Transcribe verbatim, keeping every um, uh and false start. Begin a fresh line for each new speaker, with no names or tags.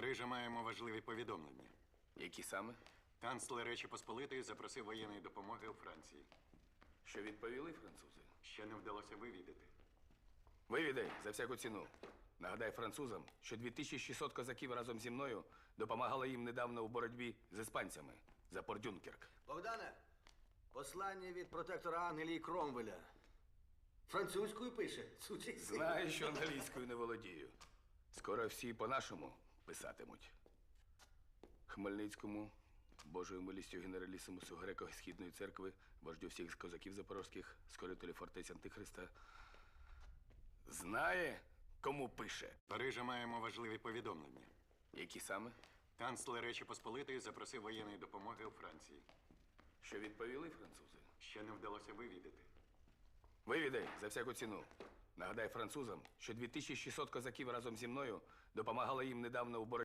Парижа маємо важливі повідомлення.
Які саме?
Канцлер Речі Посполитої запросив воєнної допомоги у Франції.
Що відповіли французи?
Ще не вдалося вивідати.
Вивідай за всяку ціну. Нагадай французам, що дві тисячі шістсот козаків разом зі мною допомагали їм недавно у боротьбі з іспанцями за Порт Дюнкерк.
Богдане, послання від протектора Англії Кромвеля. Французькою пише, сучий син.
Знаю, що англійською не володію. Скоро всі по-нашому писатимуть. Хмельницькому, Божою милістю генералісимусу Греко-Східної церкви, вождю всіх козаків запорозьких, скорителю фортець Антихриста. Знає, кому пише?
Парижа маємо важливі повідомлення.
Які саме?
Канцлер Речі Посполитої запросив воєнної допомоги у Франції.
Що відповіли французи?
Ще не вдалося вивідати.
Вивідай за всяку ціну. Нагадай французам, що дві тисячі шістсот козаків разом зі мною допомагали їм недавно у боротьбі